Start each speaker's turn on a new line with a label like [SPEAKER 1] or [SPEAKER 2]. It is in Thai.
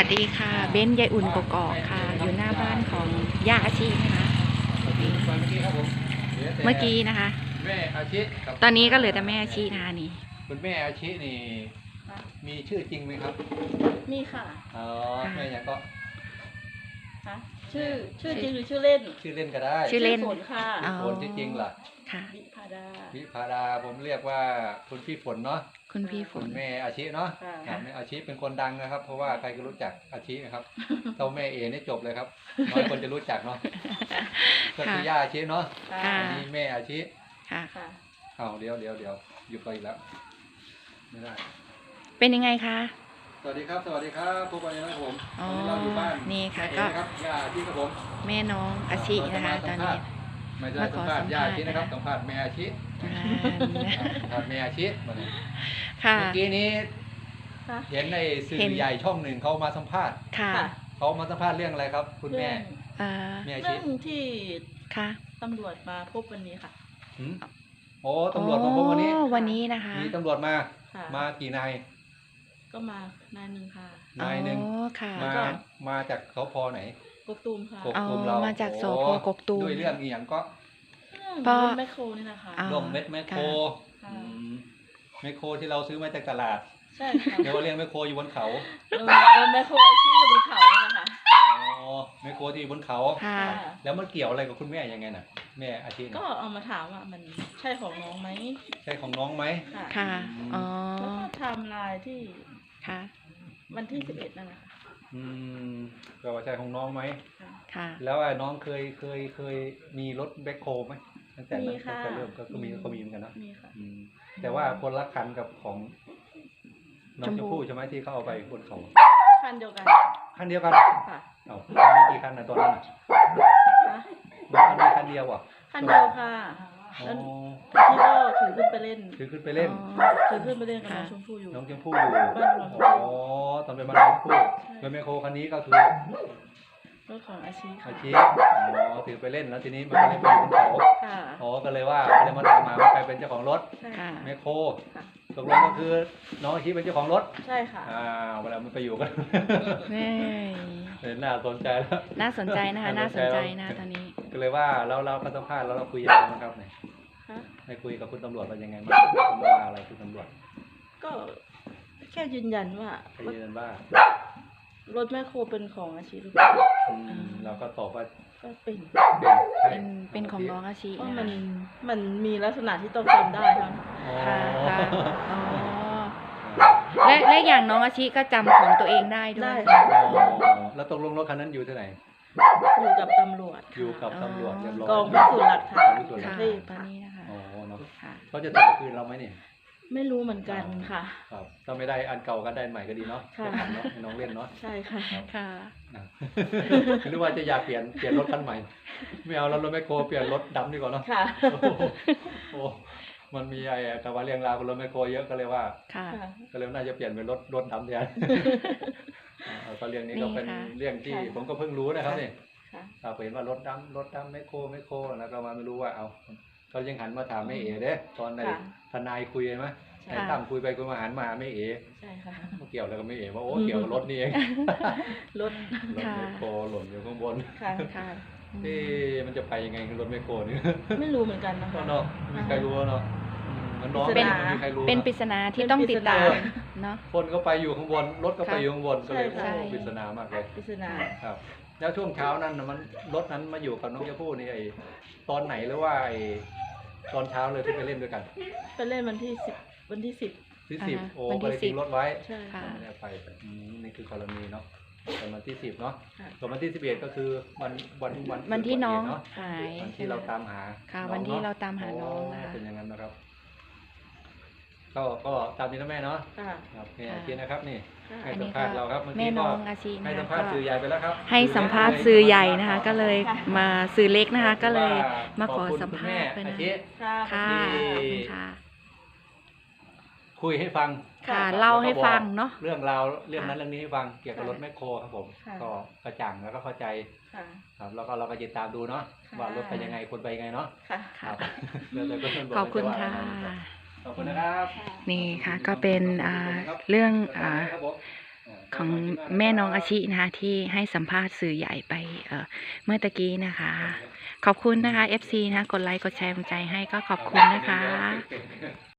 [SPEAKER 1] สดีค่ะเบ้นยายอุ่นกกอกค่ะอยู่หน้าบ้านของย่าอาชีนะคะเมื่อกี้นะคะ
[SPEAKER 2] แม่อาชิ
[SPEAKER 1] ตอนนี้ก็เหลือแต่แม่อาชีนะคะนี่
[SPEAKER 2] คุณแม่อาชินี่มีชื่อจริงไหมครับ
[SPEAKER 3] มีค่ะ
[SPEAKER 2] อ๋อแม่ยังก็
[SPEAKER 3] คะชื่อจริงหรือชื่อเล่น
[SPEAKER 2] ชื่อเล่นก็ได้
[SPEAKER 1] ชื่อเล่น
[SPEAKER 3] ฝนค่ะ
[SPEAKER 2] ฝนที่จริงล่ะ
[SPEAKER 1] ค่ะ
[SPEAKER 3] วิภาดา
[SPEAKER 2] ผมเรียกว่าคุณพี่ฝนเนาะ
[SPEAKER 1] คุณพี่ฝน
[SPEAKER 2] แม่อาชิเนาะแม่อาชิเป็นคนดังนะครับเพราะว่าใครก็รู้จักอาชินะครับเจ้าแม่เอนี่จบเลยครับน้อยคนจะรู้จักเนาะก็คือย่าอาชิเนาะนี่แม่อาชิ
[SPEAKER 1] ค่ะ
[SPEAKER 2] เอาเดี๋ยวหยุดไปอีกแล้วไม่ได้
[SPEAKER 1] เป็นยังไงคะ
[SPEAKER 2] สวัสดีครับพบกันนะครับผมตอนนี้เราอยู่บ้าน
[SPEAKER 1] นี่ค่ะก็
[SPEAKER 2] ย่าอาชิครับผม
[SPEAKER 1] แม่น้องอาชินะคะตอนนี้
[SPEAKER 2] ไม่ได้สัมภาษณ์ย่าอาชินะครับสัมภาษณ์แม่อาชิสัมภาษณ์แม่อาชิมาเลยเมื่อกี้นี้เห็นในสื่อใหญ่ช่องหนึ่งเขามาสัมภาษณ์เขามาสัมภาษณ์เรื่องอะไรครับคุณแม่
[SPEAKER 3] แม่อาชิเรื่องที่ตำรวจมาพบวันนี้ค่ะ
[SPEAKER 2] โอ้ตำรวจมาพบวัน
[SPEAKER 1] นี้นะคะ
[SPEAKER 2] มีตำรวจมากี่นาย
[SPEAKER 3] ก็มานายหนึ่งค่ะ
[SPEAKER 2] นายหนึ่งมาจากสพไหน
[SPEAKER 3] กกตูมค่ะ
[SPEAKER 2] กกตูมเรา
[SPEAKER 1] มาจากสพกกตูม
[SPEAKER 2] ด้วยเรื่องอีหยังก็
[SPEAKER 3] เรื่องแมคโครนี่นะคะ
[SPEAKER 2] เรื่องเม็ดแมคโครแมคโครที่เราซื้อมาจากตลาด
[SPEAKER 3] ใช่ค่ะ
[SPEAKER 2] เดี๋ยวเรียกแมคโครอยู่บนเขา
[SPEAKER 3] แมคโครที่อยู่บนเขานะคะ
[SPEAKER 2] อ๋อแมคโครที่อยู่บนเขาแล้วมันเกี่ยวอะไรกับคุณแม่ยังไงน่ะแม่อาชีพ
[SPEAKER 3] ก็เอามาถามว่ามันใช่ของน้องไหม
[SPEAKER 2] ใช่ของน้องไหม
[SPEAKER 1] ค่ะอ๋อ
[SPEAKER 3] แล้วก็ไทม์ไลน์ที่วันที่11นั่นแหละค่ะ
[SPEAKER 2] ก็ว่าใช่ของน้องไหม
[SPEAKER 1] ค่ะ
[SPEAKER 2] แล้วน้องเคยมีรถแบ็คโฮไหมตั้งแต่เริ่มก็มีเหมือนกันนะ
[SPEAKER 3] มีค่ะ
[SPEAKER 2] แต่ว่าคนละคันกับของน้องชมพู่ใช่ไหมที่เขาเอาไปบนเขา
[SPEAKER 3] คันเดียวกัน
[SPEAKER 2] ค่ะเอามีกี่คันนะตอนนั้นมีคันเดียวอ่ะ
[SPEAKER 3] คันเดียวค่ะแล้วที่ก็ถือขึ้นไปเล่น
[SPEAKER 2] กับน้อง
[SPEAKER 3] ชมพู่อยู่
[SPEAKER 2] น้องชมพู่อยู่อ๋อตอนเป็นมาน้องชมพู่เป็นแมคโครคันนี้ก็คือ
[SPEAKER 3] รถของอาชีพ
[SPEAKER 2] อ๋อถือไปเล่นแล้วทีนี้มันก็เลยไปอยู่บนเขาอ๋อก็เลยว่าก็เลยมาถามมาว่าใครเป็นเจ้าของรถแมคโครตกลงก็คือน้องอาชีพเป็นเจ้าของรถ
[SPEAKER 3] ใช่ค่ะ
[SPEAKER 2] เวลามันไปอยู่กันน่าสนใจแล้ว
[SPEAKER 1] น่าสนใจนะคะน่าสนใจนะตอนนี้
[SPEAKER 2] ก็เลยว่าเราก็สัมภาษณ์แล้วเราคุยยังไงบ้างครับเนี่ยได้คุยกับคุณตำรวจว่ายังไงบ้างว่าอะไรคุณตำรวจ
[SPEAKER 3] ก็แค่ยืนยันว่ารถแมคโครเป็นของอาชีพ
[SPEAKER 2] เราก็ตอบว่า
[SPEAKER 3] ก็
[SPEAKER 1] เป็นของน้องอาชีพ
[SPEAKER 3] มันมีลักษณะที่ต้องทำได้ครับ
[SPEAKER 1] และอย่างน้องอาชีก็จำของตัวเองได้ด้วย
[SPEAKER 2] แล้วตกลงรถคันนั้นอยู่ที่ไหน
[SPEAKER 3] อยู่กับตำรวจ
[SPEAKER 2] เรียบร้อย
[SPEAKER 3] กองพิสูจน์หลักฐาน
[SPEAKER 1] ตอนนี้นะคะ
[SPEAKER 2] เขาจะต่อคืนเราไหมเนี่ย
[SPEAKER 3] ไม่รู้เหมือนกันค่ะ
[SPEAKER 2] ครับถ้าไม่ได้อันเก่าก็ได้ใหม่ก็ดีเนาะน้องเล่นเนาะ
[SPEAKER 3] ใช่ค่ะ
[SPEAKER 2] หรือว่าจะอยากเปลี่ยนรถคันใหม่ไม่เอาแล้วรถแมคโครเปลี่ยนรถดำดีกว่าเนาะโอ้มันมีแต่ว่าเรื่องราวของรถแมคโครเยอะก็เลยว่าก็เลยน่าจะเปลี่ยนเป็นรถดำแทนก็เรื่องนี้ก็เป็นเรื่องที่ผมก็เพิ่งรู้นะครับนี่เราเห็นว่ารถดำแมคโครแล้วก็มาไม่รู้ว่าเอาเขายังหันมาถามแม่เอ๋เด้ตอนในทนายคุยไหมไอ้ตั้มคุยไปคุยมาหันมาแม่เอ๋
[SPEAKER 3] ใช่ค่ะ
[SPEAKER 2] เกี่ยวอะไรกับแม่เอ๋ว่าโอ้เกี่ยวกับรถนี่เอง
[SPEAKER 3] รถ
[SPEAKER 2] แมคโครหล่นอยู่ข้างบนที่มันจะไปยังไงรถแมคโครนี่
[SPEAKER 3] ไม่รู้เหมือนกันนะคะ
[SPEAKER 2] เนาะไม่ใครรู้เนาะมันน้องไม่มีใครรู้
[SPEAKER 1] เป็นปริศนาที่ต้องติดตามเนาะ
[SPEAKER 2] คนก็ไปอยู่ข้างบนรถก็ไปอยู่ข้างบนก็เลยปริศนามากเลย
[SPEAKER 3] ปริศนา
[SPEAKER 2] ครับแล้วช่วงเช้านั้นมันรถนั้นมาอยู่กับน้องชมพู่นี่ตอนไหนหรือว่าตอนเช้าเลยที่ไปเล่นด้วยกัน
[SPEAKER 3] ไปเล่นวันที่10
[SPEAKER 2] โอ้ไปทิ้งรถไว้
[SPEAKER 3] ใช่ค่ะ
[SPEAKER 2] ไปนี่คือกรณีเนาะวันที่10เนาะส่วนวันที่11ก็คือวัน
[SPEAKER 1] ที่น้องหาย
[SPEAKER 2] วันที่เราตามหา
[SPEAKER 1] ค่ะวันที่เราตามหาน้องนะคะ
[SPEAKER 2] เป็นอย่างนั้นนะครับก็ตามนี้นะแม่เนาะครับแม่อาชีนะครับนี่ให้สัมภาษณ์เราครับ
[SPEAKER 1] แม่น้องอาชี
[SPEAKER 2] ให้สัมภาษณ์สื่อใหญ่ไปแล้วครับ
[SPEAKER 1] ให้สัมภาษณ์สื่อใหญ่นะคะก็เลยมาสื่อเล็กนะคะก็เลยมาขอสัมภาษณ์
[SPEAKER 2] เป็น
[SPEAKER 1] ค่ะ
[SPEAKER 2] คุยให้ฟัง
[SPEAKER 1] เล่าให้ฟังเนาะ
[SPEAKER 2] เรื่องราวเรื่องนั้นเรื่องนี้ให้ฟังเกี่ยวกับรถแมคโครครับผมก็กระจ่างแล้วก็เข้าใจครับแล้วก็เราก็ติดตามดูเนาะว่ารถไปยังไงคนไปยังไงเนาะ
[SPEAKER 1] ขอบคุณค่ะ
[SPEAKER 2] ขอบคุณนะครับ
[SPEAKER 1] นี่ค่ะก็เป็นเรื่องของแม่น้องอาชินะคะที่ให้สัมภาษณ์สื่อใหญ่ไปเมื่อตะกี้นะคะ ขอบคุณนะคะ FC นะกดไลค์กดแชร์กำลังใจให้ก็ขอบคุณนะคะ